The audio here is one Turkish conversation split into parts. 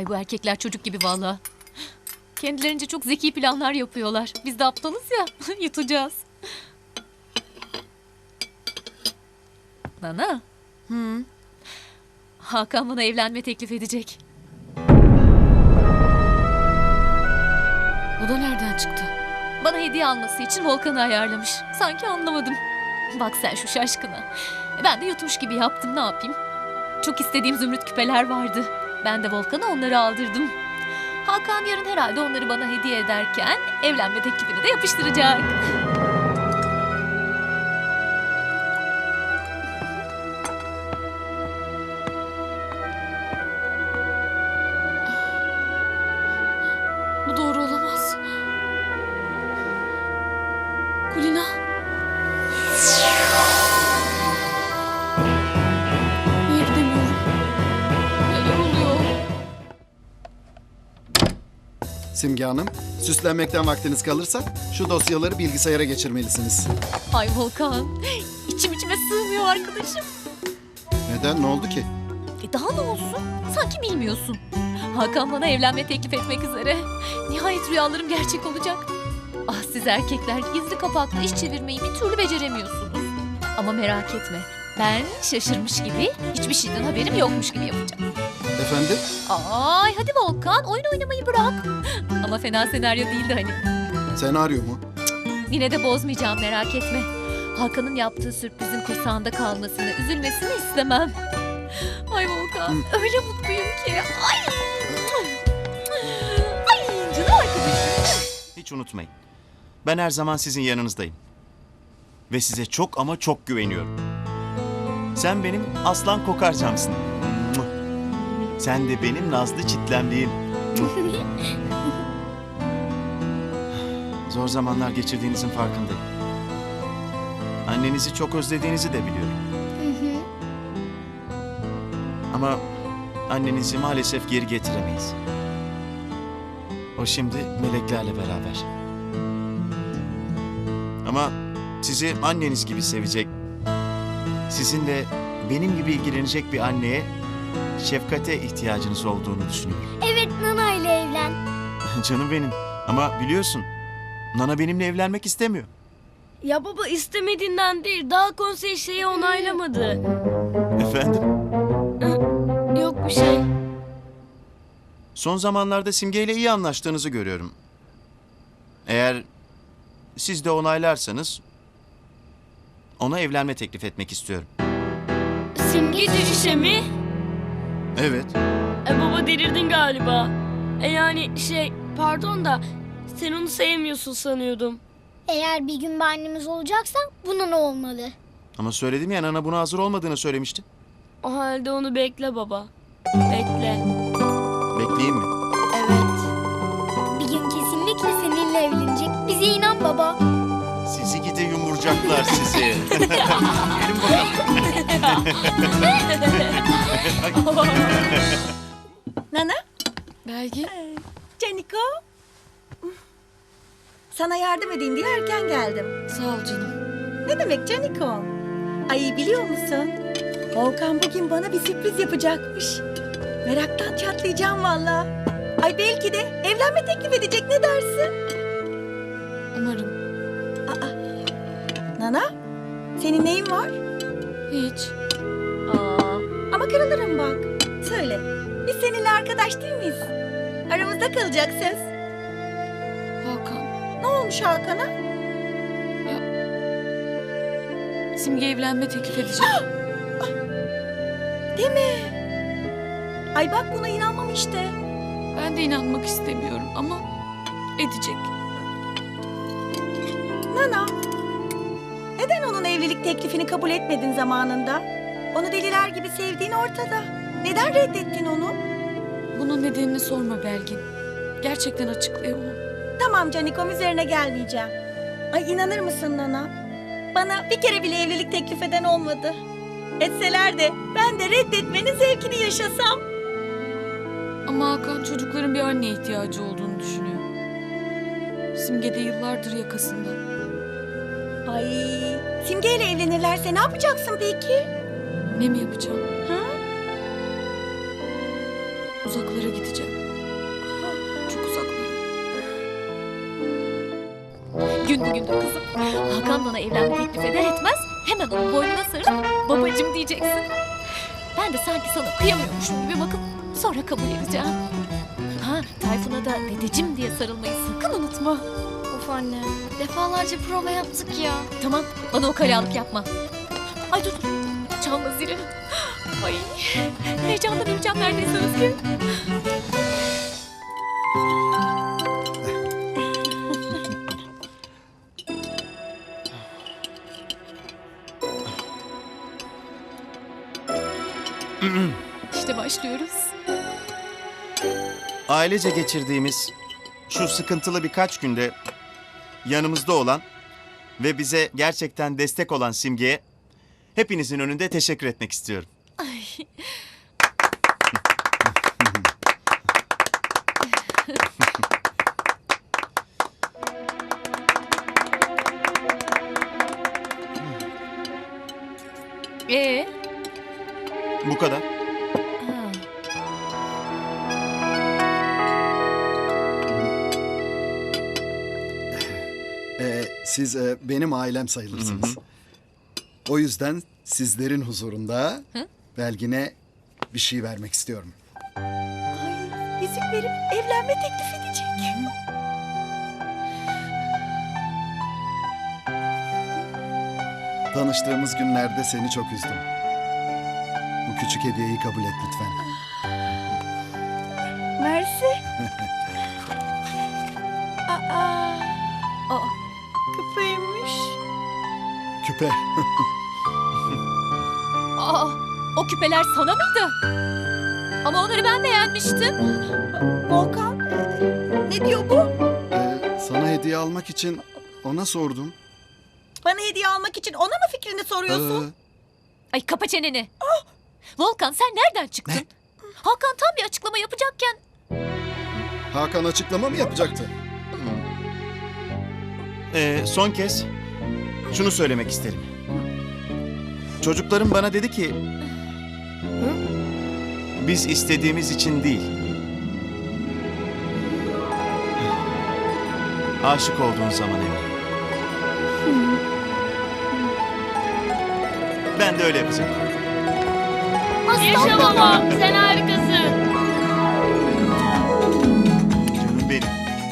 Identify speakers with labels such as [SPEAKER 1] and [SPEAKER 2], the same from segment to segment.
[SPEAKER 1] Ay bu erkekler çocuk gibi vallahi. Kendilerince çok zeki planlar yapıyorlar. Biz de aptalız ya. Yutacağız. Nana. Hakan bana evlenme teklif edecek.
[SPEAKER 2] O da nereden çıktı?
[SPEAKER 1] Bana hediye alması için Volkan'ı ayarlamış. Sanki anlamadım. Bak sen şu şaşkına. Ben de yutmuş gibi yaptım, ne yapayım? Çok istediğim zümrüt küpeler vardı. Ben de Volkan'a onları aldırdım. Hakan yarın herhalde onları bana hediye ederken evlenme teklifini de yapıştıracak.
[SPEAKER 2] Bu doğru olamaz. Kulina. Niye gidemiyorum? Neler oluyor?
[SPEAKER 3] Simge Hanım, süslenmekten vaktiniz kalırsa şu dosyaları bilgisayara geçirmelisiniz.
[SPEAKER 1] Ay Volkan, içime sığmıyor arkadaşım.
[SPEAKER 3] Neden? Ne oldu ki?
[SPEAKER 1] Daha ne olsun? Sanki bilmiyorsun. Hakan bana evlenme teklif etmek üzere. Nihayet rüyalarım gerçek olacak. Ah siz erkekler gizli kapaklı iş çevirmeyi bir türlü beceremiyorsunuz. Ama merak etme. Ben şaşırmış gibi, hiçbir şeyden haberim yokmuş gibi yapacağım.
[SPEAKER 3] Efendim?
[SPEAKER 1] Ay hadi Volkan, oyun oynamayı bırak. Ama fena senaryo değildi hani.
[SPEAKER 3] Senaryo mu?
[SPEAKER 1] Yine de bozmayacağım, merak etme. Hakan'ın yaptığı sürprizin kursağında kalmasını, üzülmesini istemem. Ay Volkan, öyle mutluyum ki. Ay! Ay canım arkadaşım.
[SPEAKER 4] Hiç unutmayın. Ben her zaman sizin yanınızdayım. Ve size çok ama çok güveniyorum. Sen benim aslan kokarcamsın. Muah. Sen de benim nazlı çitlemliğim. Muah. Zor zamanlar geçirdiğinizin farkındayım. Annenizi çok özlediğinizi de biliyorum. Ama annenizi maalesef geri getiremeyiz. O şimdi meleklerle beraber. Ama sizi anneniz gibi sevecek, sizinle benim gibi ilgilenecek bir anneye, şefkate ihtiyacınız olduğunu düşünüyorum.
[SPEAKER 5] Evet, Nana ile evlen.
[SPEAKER 4] Canım benim. Ama biliyorsun, Nana benimle evlenmek istemiyor.
[SPEAKER 2] Ya baba istemediğinden değil. Daha konsey şeyi onaylamadı.
[SPEAKER 4] Efendim?
[SPEAKER 2] Yok bir şey.
[SPEAKER 4] Son zamanlarda Simge ile iyi anlaştığınızı görüyorum. Eğer siz de onaylarsanız ona evlenme teklif etmek istiyorum.
[SPEAKER 2] Simge Cücüşe mi?
[SPEAKER 4] Evet.
[SPEAKER 2] Baba delirdin galiba. Yani pardon da sen onu sevmiyorsun sanıyordum.
[SPEAKER 5] Eğer bir gün bir annemiz olacaksan buna ne olmalı?
[SPEAKER 4] Ama söyledim ya, Nana buna hazır olmadığını söylemişti.
[SPEAKER 2] O halde onu bekle baba. Bekle.
[SPEAKER 4] Bekleyeyim mi?
[SPEAKER 2] Evet.
[SPEAKER 5] Bir gün kesinlikle seninle evlenecek. Bize inan baba.
[SPEAKER 4] Sizi gide yumurcaklar sizi. Gelin bakalım.
[SPEAKER 6] Nana,
[SPEAKER 2] Belki.
[SPEAKER 6] Caniko. Sana yardım edeyim diye erken geldim.
[SPEAKER 2] Sağ ol canım.
[SPEAKER 6] Ne demek Caniko? Ay biliyor musun? Volkan bugün bana bir sürpriz yapacakmış. Meraktan çatlayacağım valla. Ay belki de evlenme teklif edecek, ne dersin?
[SPEAKER 2] Umarım.
[SPEAKER 6] Aa, Nana, senin neyin var?
[SPEAKER 2] Hiç.
[SPEAKER 6] Ama kırılırım bak. Söyle, biz seninle arkadaş değil miyiz? Aramızda kalacak söz.
[SPEAKER 2] Hakan.
[SPEAKER 6] Ne olmuş Hakan'a?
[SPEAKER 2] Simge evlenme teklif edecek.
[SPEAKER 6] Değil mi? Ay bak buna inanmam işte.
[SPEAKER 2] Ben de inanmak istemiyorum ama edecek.
[SPEAKER 6] Nana, neden onun evlilik teklifini kabul etmedin zamanında? Onu deliler gibi sevdiğin ortada. Neden reddettin onu?
[SPEAKER 2] Bunun nedenini sorma Belgin. Gerçekten açıklayamam.
[SPEAKER 6] Tamam Canikom, üzerine gelmeyeceğim. Ay inanır mısın Nana? Bana bir kere bile evlilik teklif eden olmadı. Etseler de ben de reddetmenin zevkini yaşasam.
[SPEAKER 2] Ama Hakan çocukların bir anneye ihtiyacı olduğunu düşünüyor. Simge de yıllardır yakasında.
[SPEAKER 6] Ay, Simge ile evlenirlerse ne yapacaksın peki?
[SPEAKER 2] Ne mi yapacağım?
[SPEAKER 6] Ha?
[SPEAKER 2] Uzaklara gideceğim. çok uzaklara.
[SPEAKER 1] Gün bugündür kızım. Hakan bana evlenme teklif eder etmez hemen onun boynuna sarıp babacım diyeceksin. Ben de sanki sana kıyamıyormuşum gibi bakıp sonra kabul edeceğim. Ha, Tayfun'a da dedecim diye sarılmayı sakın unutma.
[SPEAKER 5] Of anne. Defalarca prova yaptık ya.
[SPEAKER 1] Tamam, bana o kalalık yapma. Ay dur, çalma zili. Ay, heyecandan öleceğim neredeyse Özge. İşte başlıyoruz.
[SPEAKER 4] Ailece geçirdiğimiz şu sıkıntılı birkaç günde yanımızda olan ve bize gerçekten destek olan Simge'ye hepinizin önünde teşekkür etmek istiyorum.
[SPEAKER 1] Ee?
[SPEAKER 4] Bu kadar.
[SPEAKER 1] Ha.
[SPEAKER 3] Siz benim ailem sayılırsınız. O yüzden sizlerin huzurunda
[SPEAKER 1] Hı?
[SPEAKER 3] Belgin'e bir şey vermek istiyorum.
[SPEAKER 6] Ay yüzük verip evlenme teklif edecek.
[SPEAKER 3] Tanıştığımız günlerde seni çok üzdüm. Bu küçük hediyeyi kabul et lütfen.
[SPEAKER 6] Mersi. Aa,
[SPEAKER 1] Aa,
[SPEAKER 6] küpeymiş.
[SPEAKER 3] Küpe.
[SPEAKER 1] aa, o küpeler sana mıydı? Ama onları ben beğenmiştim.
[SPEAKER 6] Volkan, ne diyor bu?
[SPEAKER 3] Sana hediye almak için ona sordum.
[SPEAKER 6] Bana hediye almak için ona mı fikrini soruyorsun?
[SPEAKER 3] Ee,
[SPEAKER 1] Ay kapa çeneni. Volkan sen nereden çıktın?
[SPEAKER 3] Ne?
[SPEAKER 1] Hakan tam bir açıklama yapacakken.
[SPEAKER 3] Hakan açıklama mı yapacaktı?
[SPEAKER 4] Son kez şunu söylemek isterim. Çocuklarım bana dedi ki... Biz istediğimiz için değil. Aşık olduğun zaman evlen. Ben de öyle yapacağım.
[SPEAKER 5] Yaşa babam, sen harikasın.
[SPEAKER 4] Canım benim.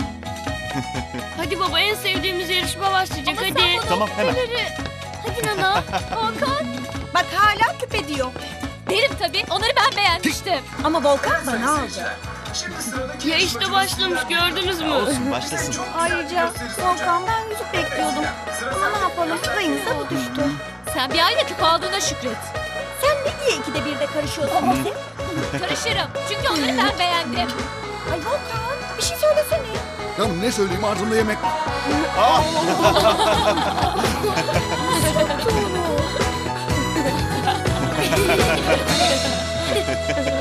[SPEAKER 5] Hadi baba, en sevdiğimiz yarışma başlayacak,
[SPEAKER 1] Ama
[SPEAKER 5] hadi.
[SPEAKER 1] sen bana
[SPEAKER 4] Tamam, hemen.
[SPEAKER 1] küpeleri- Hadi Nana. Hakan.
[SPEAKER 6] Bak hala küpe diyor.
[SPEAKER 1] Derim tabii. Onları ben beğenmiştim.
[SPEAKER 6] Ama Volkan bana aldı.
[SPEAKER 5] Ya işte başlamış, gördünüz mü?
[SPEAKER 4] Olsun, başlasın.
[SPEAKER 6] Ayrıca Volkan ben yüzük bekliyordum. Ama ne yapalım rayınıza bu düştü.
[SPEAKER 1] Sen bir ayda küpe aldığına şükret.
[SPEAKER 6] Sen ne diye ikide birde karışıyorsun Volkan?
[SPEAKER 1] Karışırım. Çünkü onları ben beğendim.
[SPEAKER 6] Ay Volkan bir şey söylesene.
[SPEAKER 3] Canım ne söyleyeyim ağzımda yemek var.
[SPEAKER 6] Tuğlu.